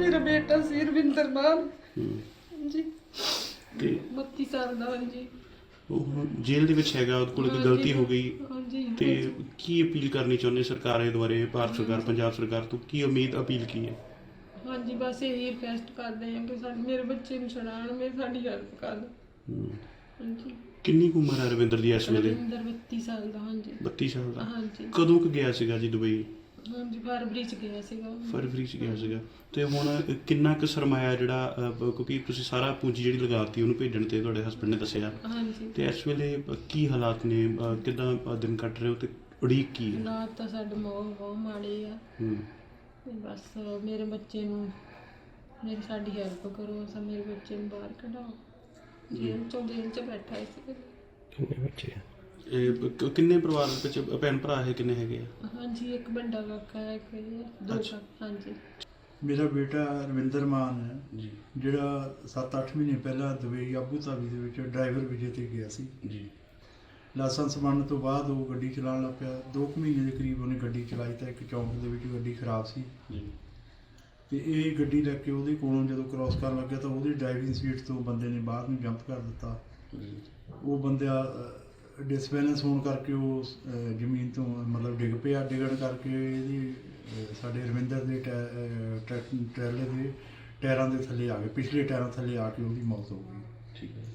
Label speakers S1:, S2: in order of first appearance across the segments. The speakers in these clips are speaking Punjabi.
S1: ਮੇਰਾ ਬੇਟਾ ਸੀ ਰਵਿੰਦਰ ਮਾਨ ਜੀ
S2: ਤੇ
S1: 32 ਸਾਲ ਦਾ। ਹਾਂਜੀ
S2: ਉਹ ਹੁਣ ਜੇਲ੍ਹ ਦੇ ਵਿੱਚ ਹੈਗਾ, ਉਹਦੇ ਕੋਲ ਕੋਈ ਗਲਤੀ ਹੋ ਗਈ
S1: ਹਾਂਜੀ
S2: ਤੇ ਕੀ ਅਪੀਲ ਕਰਨੀ ਚਾਹੁੰਦੇ ਸਰਕਾਰ ਦੇ ਦੁਆਰੇ, ਭਾਰਤ ਸਰਕਾਰ, ਪੰਜਾਬ ਸਰਕਾਰ ਤੋਂ ਕੀ ਉਮੀਦ ਅਪੀਲ ਕੀ ਹੈ?
S1: ਹਾਂਜੀ ਬਸ ਇਹੀ ਰਿਕਵੈਸਟ ਕਰਦੇ ਹਾਂ ਕਿ ਸਾਡੇ ਮੇਰੇ ਬੱਚੇ ਨੂੰ ਛੁਡਾਉਣ, ਸਾਡੀ ਹੈਲਪ ਕਰ ਦਿਓ। ਹਾਂਜੀ
S2: ਕਿੰਨੀ ਕੁ ਉਮਰ ਹੈ ਰਵਿੰਦਰ ਦੀ ਇਸ ਵੇਲੇ?
S1: ਰਵਿੰਦਰ 32 ਸਾਲ ਦਾ। ਹਾਂਜੀ
S2: 32 ਸਾਲ ਦਾ।
S1: ਹਾਂਜੀ
S2: ਕਦੋਂ ਕੁ ਗਿਆ ਸੀਗਾ ਜੀ ਦੁਬਈ?
S1: ਹਾਂਜੀ ਫਰਵਰੀ ਚ ਗਿਆ ਸੀਗਾ।
S2: ਫਰਵਰੀ ਚ ਗਿਆ ਸੀਗਾ। ਤੇ ਹੁਣ ਕਿੰਨਾ ਕੁ ਸਰਮਾਇਆ ਜਿਹੜਾ ਕਿਉਂਕਿ ਤੁਸੀਂ ਸਾਰਾ ਪੂੰਜੀ ਜਿਹੜੀ ਲਗਾਤੀ ਉਹਨੂੰ ਭੇਜਣ ਤੇ ਤੁਹਾਡੇ ਹਸਬੰਡ ਨੇ ਦੱਸਿਆ,
S1: ਹਾਂਜੀ
S2: ਤੇ ਇਸ ਵੇਲੇ ਕੀ ਹਾਲਾਤ ਨੇ, ਕਿੱਦਾਂ ਦਿਨ ਕੱਟ ਰਹੇ ਹੋ ਤੇ ਉਡੀਕ ਕੀ ਹੈ?
S1: ਹਾਲਾਤ ਤਾਂ ਸਾਡੇ ਬਹੁਤ ਮਾੜੇ ਆ। ਤੇ ਬਸ ਮੇਰੇ ਬੱਚੇ ਨੂੰ ਸਾਡੀ ਹੈਲਪ ਕਰੋ, ਮੇਰੇ ਬੱਚੇ ਨੂੰ ਬਾਹਰ ਕਢਾਓ, ਜੇਲ੍ਹ ਚ ਬੈਠਾ ਸੀ।
S2: ਕਿੰਨੇ ਬੱਚੇ ਆ? ਕਿੰਨੇ ਪਰਿਵਾਰ ਵਿੱਚ ਭੈਣ ਭਰਾ ਹੈ, ਕਿੰਨੇ ਹੈਗੇ ਆ?
S1: ਹਾਂਜੀ ਇੱਕ ਵੱਡਾ ਕਾਕਾ ਹੈ, ਇੱਕ ਦੋ ਕਾਕਾ। ਹਾਂਜੀ
S3: ਮੇਰਾ ਬੇਟਾ ਰਵਿੰਦਰ ਮਾਨ ਹੈ
S2: ਜੀ,
S3: ਜਿਹੜਾ 7-8 ਮਹੀਨੇ ਪਹਿਲਾਂ ਦੁਬਈ ਆਬੂ ਧਾਬੀ ਦੇ ਵਿੱਚ ਡਰਾਈਵਰ ਵੀਜ਼ੇ ਤੇ ਗਿਆ ਸੀ
S2: ਜੀ।
S3: ਲਾਇਸੈਂਸ ਬਣਨ ਤੋਂ ਬਾਅਦ ਉਹ ਗੱਡੀ ਚਲਾਉਣ ਲੱਗ ਪਿਆ। 2 ਮਹੀਨੇ ਦੇ ਕਰੀਬ ਉਹਨੇ ਗੱਡੀ ਚਲਾਈ ਤਾਂ ਇੱਕ ਚੌਂਕ ਦੇ ਵਿੱਚ ਗੱਡੀ ਖਰਾਬ ਸੀ
S2: ਜੀ।
S3: ਤੇ ਇਹ ਗੱਡੀ ਲੈ ਕੇ ਉਹਦੇ ਕੋਲੋਂ ਜਦੋਂ ਕ੍ਰਾਸ ਕਰਨ ਲੱਗਿਆ ਤਾਂ ਉਹਦੀ ਡਰਾਈਵਿੰਗ ਸੀਟ ਤੋਂ ਬੰਦੇ ਨੇ ਬਾਹਰ ਨੂੰ ਜੰਪ ਕਰ ਦਿੱਤਾ। ਉਹ ਬੰਦਾ ਡਿਸਬੈਲੈਂਸ ਹੋਣ ਕਰਕੇ ਉਹ ਜ਼ਮੀਨ ਤੋਂ ਮਤਲਬ ਡਿੱਗ ਪਿਆ। ਡਿੱਗਣ ਕਰਕੇ ਇਹਦੀ ਸਾਡੇ ਰਵਿੰਦਰ ਦੇ ਟਰੈਲੇ ਦੇ ਟਾਇਰਾਂ ਦੇ ਥੱਲੇ ਆ ਗਏ, ਪਿਛਲੇ ਟਾਇਰਾਂ ਥੱਲੇ ਆ ਕੇ ਉਹਦੀ ਮੌਤ ਹੋ ਗਈ।
S2: ਠੀਕ ਹੈ।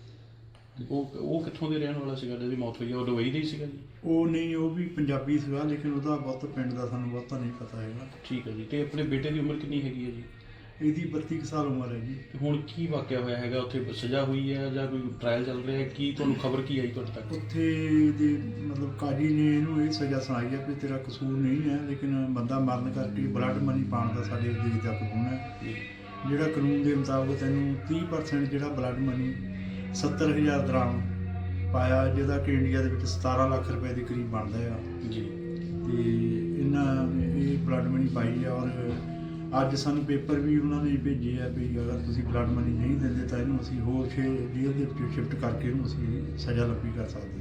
S2: ਉਹ ਕਿੱਥੋਂ ਦੇ ਰਹਿਣ ਵਾਲਾ ਸੀਗਾ ਜਿਹਦੀ ਮੌਤ ਹੋਈ? ਉਹ ਦੁਬਈ ਦਾ ਹੀ ਸੀਗਾ ਜੀ?
S3: ਉਹ ਨਹੀਂ, ਉਹ ਵੀ ਪੰਜਾਬੀ ਸੀਗਾ, ਲੇਕਿਨ ਉਹਦਾ ਬਹੁਤ ਪਿੰਡ ਦਾ ਸਾਨੂੰ ਬਹੁਤਾ ਨਹੀਂ ਪਤਾ ਹੈਗਾ।
S2: ਠੀਕ ਹੈ ਜੀ। ਤੇ ਆਪਣੇ ਬੇਟੇ ਦੀ ਉਮਰ ਕਿੰਨੀ ਹੈਗੀ ਹੈ ਜੀ?
S3: ਇਹਦੀ 32 ਕੁ ਸਾਲ ਉਮਰ ਹੈ ਜੀ।
S2: ਤੇ ਹੁਣ ਕੀ ਵਾਕਿਆ ਹੋਇਆ ਹੈਗਾ ਉੱਥੇ? ਸਜ਼ਾ ਹੋਈ ਹੈ ਜਾਂ ਕੋਈ ਟ੍ਰਾਇਲ ਚੱਲ ਰਿਹਾ ਹੈ? ਕੀ ਤੁਹਾਨੂੰ ਖਬਰ ਕੀ ਆਈ ਤੁਹਾਡੇ ਤੱਕ?
S3: ਉੱਥੇ ਦੇ ਮਤਲਬ ਕਾਜੀ ਨੇ ਇਹਨੂੰ ਇਹ ਸਜ਼ਾ ਸੁਣਾਈ ਹੈ ਕਿ ਤੇਰਾ ਕਸੂਰ ਨਹੀਂ ਹੈ, ਲੇਕਿਨ ਬੰਦਾ ਮਰਨ ਕਰਕੇ ਬਲੱਡ ਮਨੀ ਪਾਉਣ ਦਾ ਸਾਡੇ ਦੇਸ਼ ਦਾ ਕਾਨੂੰਨ ਹੈ। ਜਿਹੜਾ ਕਾਨੂੰਨ ਦੇ ਮੁਤਾਬਕ ਤੈਨੂੰ 30% ਜਿਹੜਾ ਬਲੱਡ ਮਨੀ 70,000 ਦਰਾਮ ਪਾਇਆ, ਜਿਹਦਾ ਕਿ ਇੰਡੀਆ ਦੇ ਵਿੱਚ 17 ਲੱਖ ਰੁਪਏ ਦੇ ਕਰੀਬ ਬਣਦਾ ਆ
S2: ਜੀ।
S3: ਤੇ ਇਹਨਾਂ ਨੇ ਇਹ ਬਲੱਡ ਮਨੀ ਪਾਈ ਆ। ਔਰ ਅੱਜ ਸਾਨੂੰ ਪੇਪਰ ਵੀ ਉਹਨਾਂ ਨੇ ਭੇਜੇ ਆ ਵੀ ਅਗਰ ਤੁਸੀਂ ਬਲੱਡ ਮਨੀ ਨਹੀਂ ਦਿੰਦੇ ਤਾਂ ਇਹਨੂੰ ਅਸੀਂ ਹੋਰ ਜੇਲ੍ਹ ਦੇ ਵਿੱਚ ਸ਼ਿਫਟ ਕਰਕੇ ਇਹਨੂੰ ਅਸੀਂ ਸਜ਼ਾ ਲੱਭੀ ਕਰ ਸਕਦੇ ਹਾਂ।